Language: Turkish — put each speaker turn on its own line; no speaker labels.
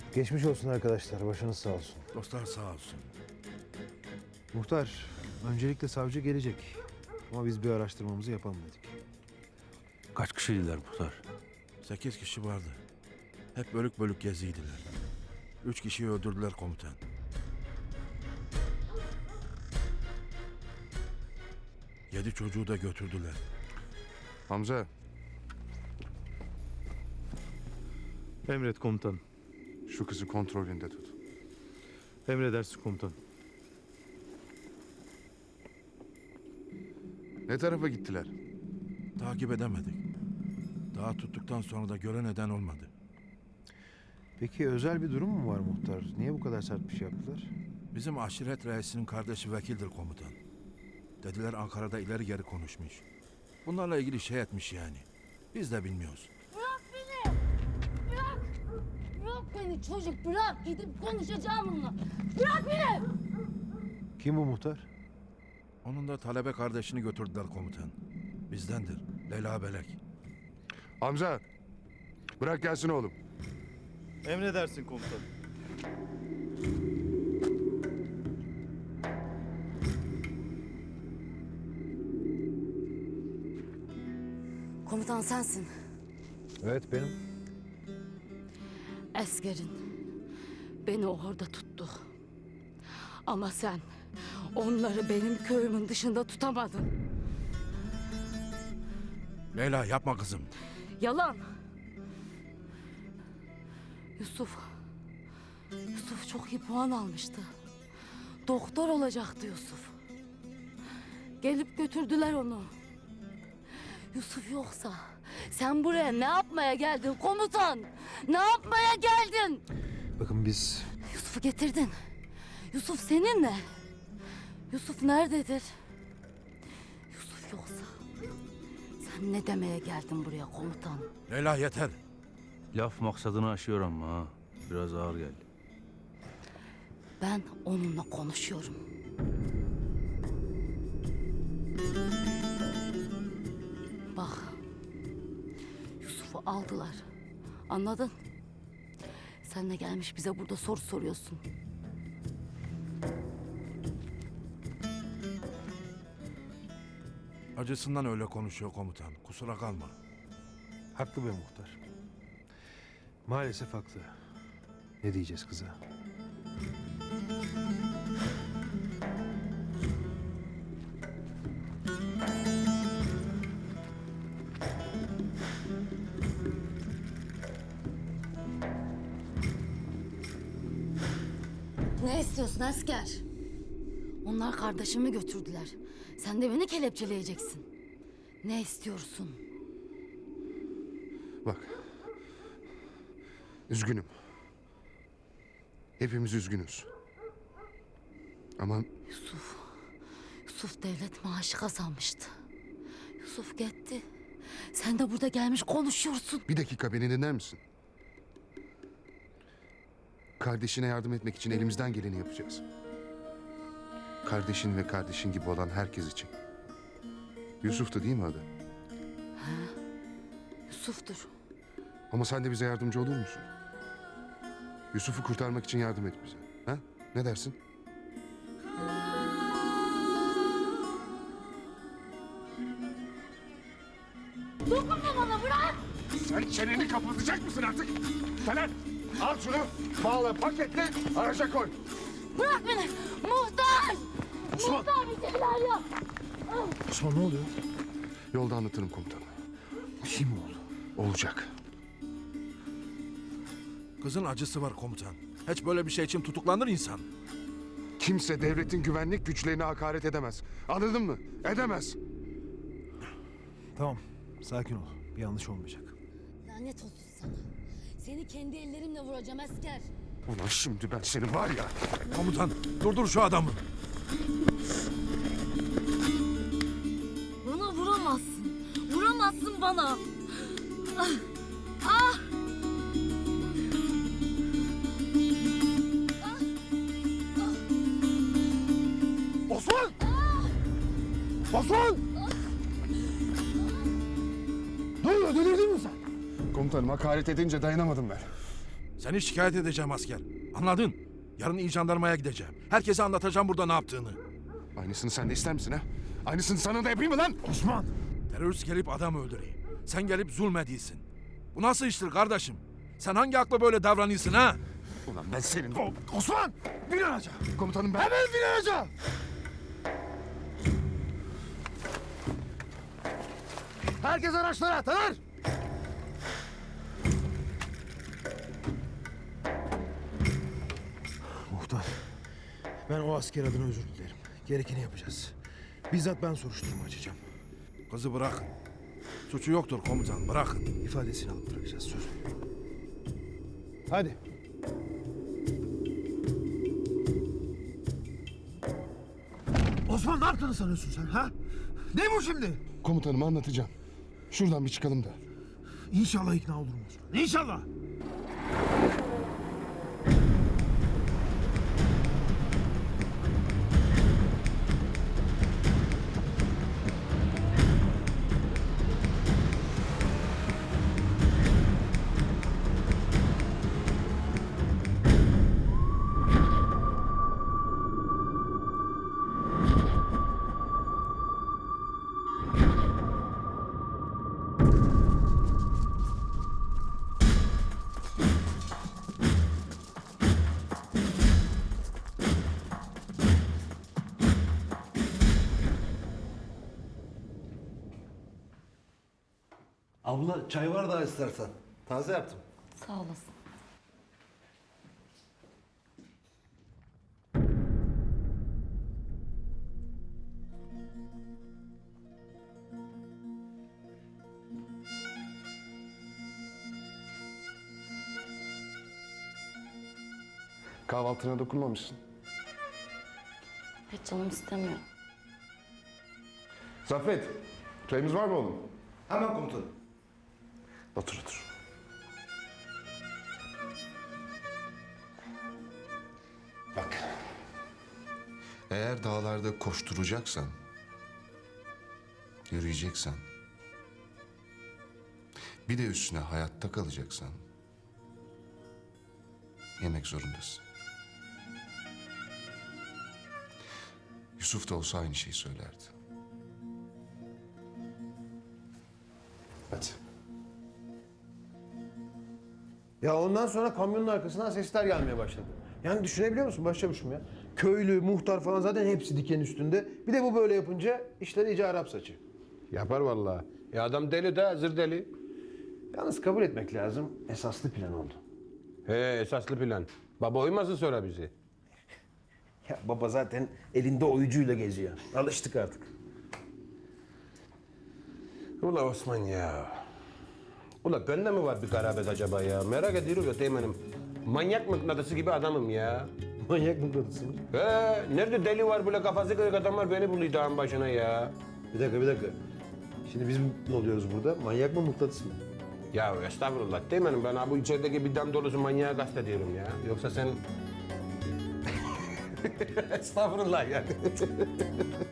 Geçmiş olsun arkadaşlar, başınız sağ olsun.
Dostlar sağ olsun.
Muhtar, öncelikle savcı gelecek. Ama biz bir araştırmamızı yapalım dedik.
Kaç kişiydiler muhtar?
8 kişi vardı. Hep bölük bölük geziydiler. 3 kişiyi öldürdüler komutan. Yedi çocuğu da götürdüler.
Hamza,
Emret komutan.
şu kızı kontrolünde tut.
Emredersin komutan.
Ne tarafa gittiler?
Takip edemedik. Daha tuttuktan sonra da gören eden olmadı.
Peki özel bir durum mu var muhtar? Niye bu kadar sert bir şey yaptılar?
Bizim aşiret reisinin kardeşi vekildir komutan. Dediler Ankara'da ileri geri konuşmuş. Bunlarla ilgili şey etmiş yani. Biz de bilmiyoruz.
Bırak beni! Bırak! Bırak beni çocuk bırak! Gidip konuşacağım onunla. Bırak beni!
Kim bu muhtar?
Onun da talebe kardeşini götürdüler komutan. Bizdendir. Leyla Belek.
Hamza, bırak gelsin oğlum.
Emredersin komutan.
Komutan sensin.
Evet benim.
Askerin beni orada tuttu. Ama sen onları benim köyümün dışında tutamadın.
Leyla yapma kızım.
Yalan. Yusuf çok iyi puan almıştı. Doktor olacaktı Yusuf. Gelip götürdüler onu. Yusuf yoksa sen buraya ne yapmaya geldin komutan? Ne yapmaya geldin?
Bakın biz
Yusuf'u getirdin. Yusuf seninle. Yusuf nerededir? Yusuf yoksa sen ne demeye geldin buraya komutan?
Leyla yeter.
Laf maksadını aşıyor ama ha. Biraz ağır geldi.
Ben onunla konuşuyorum. Bak. Yusuf'u aldılar. Anladın? Sen de gelmiş bize burada soru soruyorsun.
Acısından öyle konuşuyor komutan. Kusura kalma.
haklı be muhtar. Maalesef haklı. Ne diyeceğiz kıza?
Ne istiyorsun asker? Onlar kardeşimi götürdüler. Sen de beni kelepçeleyeceksin. Ne istiyorsun?
Bak, üzgünüm. Hepimiz üzgünüz. Ama
Yusuf devlet maaşı kazanmıştı. Yusuf gitti. Sen de burada gelmiş konuşuyorsun.
bir dakika beni dinler misin? Kardeşine yardım etmek için elimizden geleni yapacağız. Kardeşin ve kardeşin gibi olan herkes için. Yusuf'tu değil mi adı?
Yusuf'tur.
Ama sen de bize yardımcı olur musun? Yusuf'u kurtarmak için yardım et bize. Ha? Ne dersin?
Dokunma bana bırak!
Sen çeneni kapatacak mısın artık? Taner, al şunu, bağla, paketle, araca koy.
Bırak beni! Muhtar!
Osman!
Muhtar bir şeyler yap!
Osman ne oluyor?
Yolda anlatırım komutanım.
Bir şey mi oldu?
Olacak.
Kızın acısı var komutan. Hiç böyle bir şey için tutuklanır insan.
Kimse devletin güvenlik güçlerine hakaret edemez. Anladın mı? Edemez.
Tamam, sakin ol. Bir yanlış olmayacak.
Lanet olsun sana. Seni kendi ellerimle vuracağım asker.
Ulan şimdi ben seni var ya...
Komutan durdur şu adamı.
Bana vuramazsın. Vuramazsın bana. Ah! Ah!
Osman! Osman! Ne oluyor? Delirdin mi sen? Komutanım hakaret edince dayanamadım ben.
Seni şikayet edeceğim asker. Anladın? Yarın iyi jandarmaya gideceğim. Herkese anlatacağım burada ne yaptığını.
Aynısını sen de ister misin ha? Aynısını sana da yapayım mı lan?
Osman!
Terörist gelip adam öldürüyor. Sen gelip zulmediyorsun. Bu nasıl iştir kardeşim? Sen hangi akla böyle davranıyorsun ha?
Ulan ben senin...
Osman! Bin araca!
Komutanım ben...
Hemen bin araca! Herkes araçlara! Taner! Muhtar, ben o asker adına özür dilerim. Gerekeni yapacağız. Bizzat ben soruşturma açacağım.
Kızı bırakın. Suçu yoktur komutan, bırakın.
İfadesini alıp bırakacağız, söz veriyorum. Hadi. Osman ne yaptığını sanıyorsun sen ha? Ne bu şimdi?
Komutanıma anlatacağım. Şuradan bir çıkalım da.
İnşallah ikna olurum Osman. İnşallah.
Abla çay var daha istersen. Taze yaptım.
Sağ olasın.
Kahvaltına dokunmamışsın.
Hiç canım istemiyor.
Zaffet, çayımız var mı oğlum?
Hemen komutanım.
Otur otur. Bak. Eğer dağlarda koşturacaksan, yürüyeceksen, bir de üstüne hayatta kalacaksan, yemek zorundasın. Yusuf da olsa aynı şeyi söylerdi. Hadi.
Ya ondan sonra kamyonun arkasından sesler gelmeye başladı. Yani düşünebiliyor musun başçavuşum ya? Köylü, muhtar falan zaten hepsi diken üstünde. Bir de bu böyle yapınca işler iyice Arap saçı.
Yapar vallahi. Ya adam deli de hazır deli.
Yalnız kabul etmek lazım. Esaslı plan oldu.
He esaslı plan. Baba uymasın sonra bizi.
Ya baba zaten elinde oyuncuyla geziyor. Alıştık artık.
Ula Osman ya. Ula bende mi var bir garabet acaba ya? Merak ediyorum ya teğmenim. Manyak mıknatısı gibi adamım ya.
Manyak mıknatısı mı?
He nerede deli var böyle kafası kırık adamlar beni buluyor dağın başına ya.
Bir dakika. Şimdi biz ne oluyoruz burada? Manyak mı mıknatıs mı?
Ya estağfurullah teğmenim ben ha bu içerideki bir dam dolusu manyağı kastediyorum ya. Yoksa sen... estağfurullah yani.